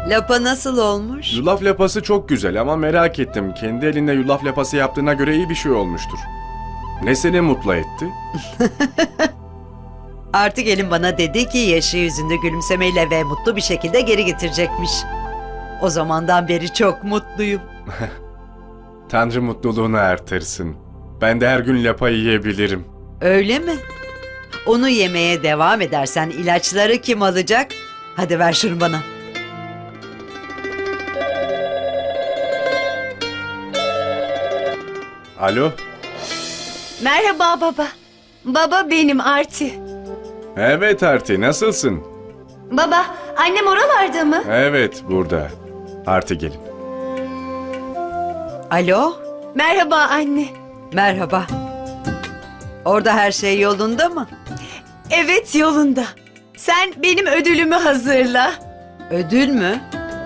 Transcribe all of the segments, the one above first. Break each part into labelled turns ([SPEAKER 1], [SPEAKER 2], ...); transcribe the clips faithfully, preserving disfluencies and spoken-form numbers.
[SPEAKER 1] Lapa nasıl olmuş?
[SPEAKER 2] Yulaf lapası çok güzel ama merak ettim. Kendi elinde yulaf lapası yaptığına göre iyi bir şey olmuştur. Ne seni mutlu etti?
[SPEAKER 1] Artık elin bana dedi ki yaşı yüzünde gülümsemeyle ve mutlu bir şekilde geri getirecekmiş. O zamandan beri çok mutluyum.
[SPEAKER 2] Tanrı mutluluğunu artırsın. Ben de her gün lapa yiyebilirim.
[SPEAKER 1] Öyle mi? Onu yemeye devam edersen ilaçları kim alacak? Hadi ver şunu bana.
[SPEAKER 2] Alo?
[SPEAKER 3] Merhaba baba. Baba benim Arti.
[SPEAKER 2] Evet Arti, nasılsın?
[SPEAKER 3] Baba, annem oralarda mı?
[SPEAKER 2] Evet, burada. Arti gelin.
[SPEAKER 1] Alo?
[SPEAKER 3] Merhaba anne.
[SPEAKER 1] Merhaba. Orada her şey yolunda mı?
[SPEAKER 3] Evet yolunda. Sen benim ödülümü hazırla.
[SPEAKER 1] Ödül mü?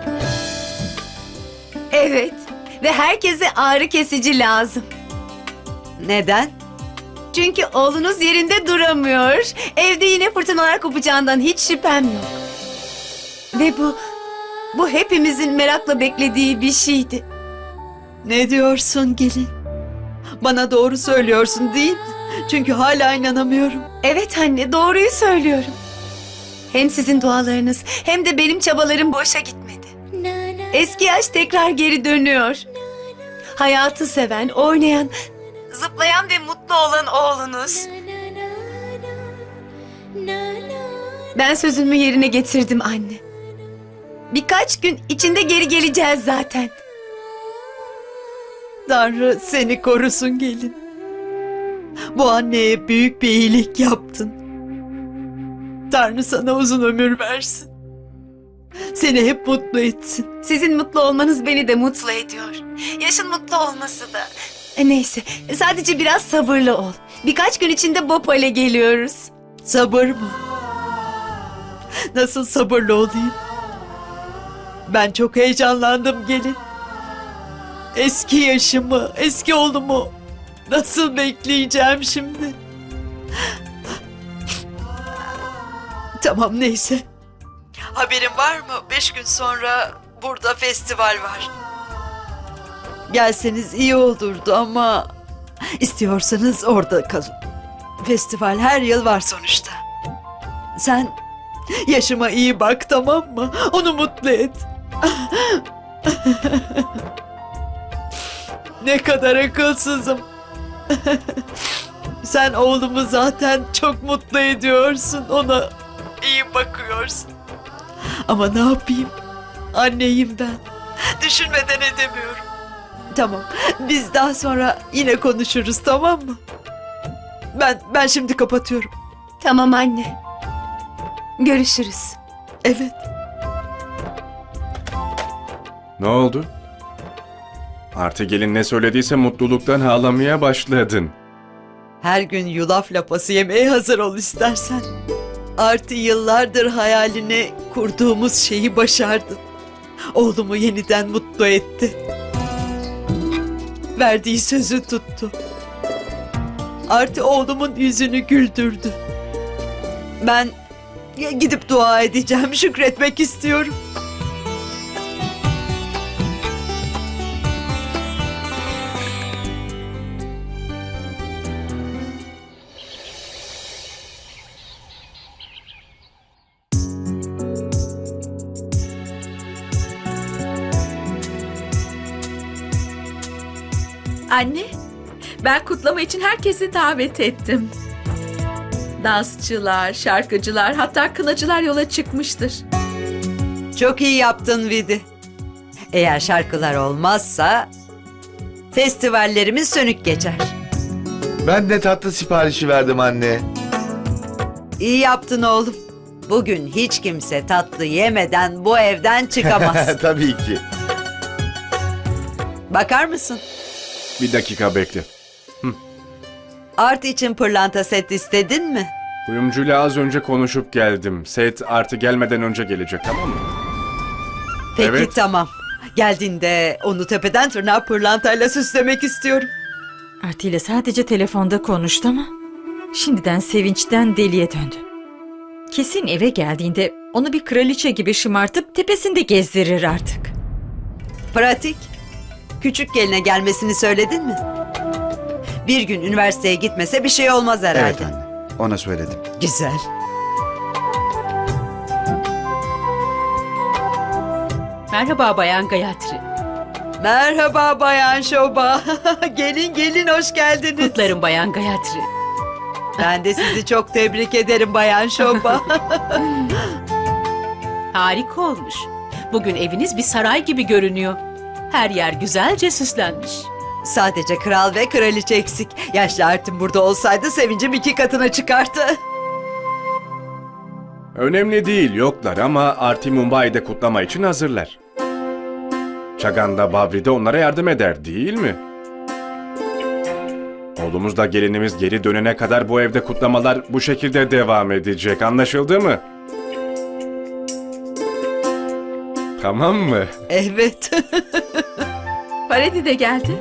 [SPEAKER 3] Evet. Ve herkese ağrı kesici lazım.
[SPEAKER 1] Neden?
[SPEAKER 3] Çünkü oğlunuz yerinde duramıyor. Evde yine fırtınalar kopacağından hiç şüphem yok. Ve bu, bu hepimizin merakla beklediği bir şeydi.
[SPEAKER 1] Ne diyorsun gelin? Bana doğru söylüyorsun değil mi? Çünkü hala inanamıyorum.
[SPEAKER 3] Evet anne, doğruyu söylüyorum. Hem sizin dualarınız hem de benim çabalarım boşa gitmedi. Eski yaş tekrar geri dönüyor. Hayatı seven, oynayan, zıplayan ve mutlu olan oğlunuz. Ben sözümü yerine getirdim anne. Birkaç gün içinde geri geleceğiz zaten.
[SPEAKER 1] Tanrı seni korusun gelin. Bu anneye büyük bir iyilik yaptın. Tanrı sana uzun ömür versin. Seni hep mutlu etsin.
[SPEAKER 3] Sizin mutlu olmanız beni de mutlu ediyor. Yaşın mutlu olması da. E, neyse, sadece biraz sabırlı ol. Birkaç gün içinde Bhopal'e geliyoruz.
[SPEAKER 1] Sabır mı? Nasıl sabırlı olayım? Ben çok heyecanlandım gelin. Eski yaşımı, eski oğlumu nasıl bekleyeceğim şimdi? Tamam neyse. Haberin var mı? Beş gün sonra burada festival var. Gelseniz iyi olurdu ama istiyorsanız orada kalın. Festival her yıl var sonuçta. Sen yaşıma iyi bak, tamam mı? Onu mutlu et. Ne kadar akılsızım. Sen oğlumu zaten çok mutlu ediyorsun. Ona iyi bakıyorsun. Ama ne yapayım? Anneyim ben. Düşünmeden edemiyorum. Tamam. Biz daha sonra yine konuşuruz, tamam mı? Ben ben şimdi kapatıyorum.
[SPEAKER 3] Tamam anne. Görüşürüz.
[SPEAKER 1] Evet.
[SPEAKER 2] Ne oldu? Arti gelin ne söylediyse mutluluktan ağlamaya başladın.
[SPEAKER 1] Her gün yulaf lapası yemeye hazır ol istersen. Artı yıllardır hayalini kurduğumuz şeyi başardın. Oğlumu yeniden mutlu etti. Verdiği sözü tuttu. Artı oğlumun yüzünü güldürdü. Ben gidip dua edeceğim, şükretmek istiyorum.
[SPEAKER 4] Anne, ben kutlama için herkesi davet ettim. Dansçılar, şarkıcılar, hatta kınacılar yola çıkmıştır.
[SPEAKER 1] Çok iyi yaptın Vidi. Eğer şarkılar olmazsa festivallerimiz sönük geçer.
[SPEAKER 5] Ben de tatlı siparişi verdim anne.
[SPEAKER 1] İyi yaptın oğlum. Bugün hiç kimse tatlı yemeden bu evden çıkamaz.
[SPEAKER 5] Tabii ki.
[SPEAKER 1] Bakar mısın?
[SPEAKER 2] Bir dakika bekle.
[SPEAKER 1] Art için pırlanta set istedin mi?
[SPEAKER 2] Kuyumcuyla az önce konuşup geldim. Set Arti gelmeden önce gelecek, tamam mı?
[SPEAKER 1] Peki
[SPEAKER 2] Evet.
[SPEAKER 1] tamam. Geldiğinde onu tepeden tırnağa pırlantayla süslemek istiyorum.
[SPEAKER 6] Arti ile sadece telefonda konuştu ama şimdiden sevinçten deliye döndü. Kesin eve geldiğinde Onu bir kraliçe gibi şımartıp tepesinde gezdirir artık.
[SPEAKER 7] Pratik. Küçük geline gelmesini söyledin mi? Bir gün üniversiteye gitmese bir şey olmaz herhalde.
[SPEAKER 8] Evet anne. Ona söyledim.
[SPEAKER 7] Güzel.
[SPEAKER 9] Merhaba Bayan Gayatri.
[SPEAKER 1] Merhaba Bayan Şoba. Gelin gelin hoş geldiniz.
[SPEAKER 9] Kutlarım Bayan Gayatri.
[SPEAKER 1] Ben de sizi çok tebrik ederim Bayan Şoba.
[SPEAKER 9] Harika olmuş. Bugün eviniz bir saray gibi görünüyor. Her yer güzelce süslenmiş.
[SPEAKER 1] Sadece kral ve kraliçe eksik. Yaşlı Artin burada olsaydı sevincim iki katına çıkardı.
[SPEAKER 2] Önemli değil, yoklar ama Arti Mumbai'de kutlama için hazırlar. Çagan'da Babri de onlara yardım eder, değil mi? Oğlumuzla gelinimiz geri dönene kadar bu evde kutlamalar bu şekilde devam edecek, anlaşıldı mı? Tamam mı?
[SPEAKER 1] Evet.
[SPEAKER 4] Paredi de geldi.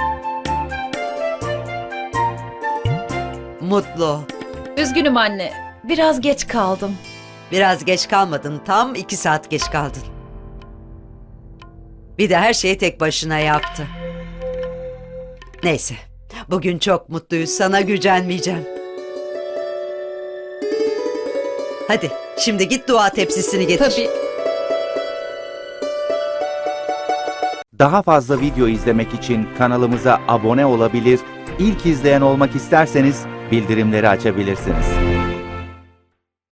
[SPEAKER 7] Mutlu.
[SPEAKER 4] Üzgünüm anne. Biraz geç kaldım.
[SPEAKER 7] Biraz geç kalmadın. Tam iki saat geç kaldın. Bir de her şeyi tek başına yaptı. Neyse. Bugün çok mutluyuz. Sana gücenmeyeceğim. Hadi şimdi git dua tepsisini getir.
[SPEAKER 4] Tabii.
[SPEAKER 10] Daha fazla video izlemek için kanalımıza abone olabilir, ilk izleyen olmak isterseniz bildirimleri açabilirsiniz.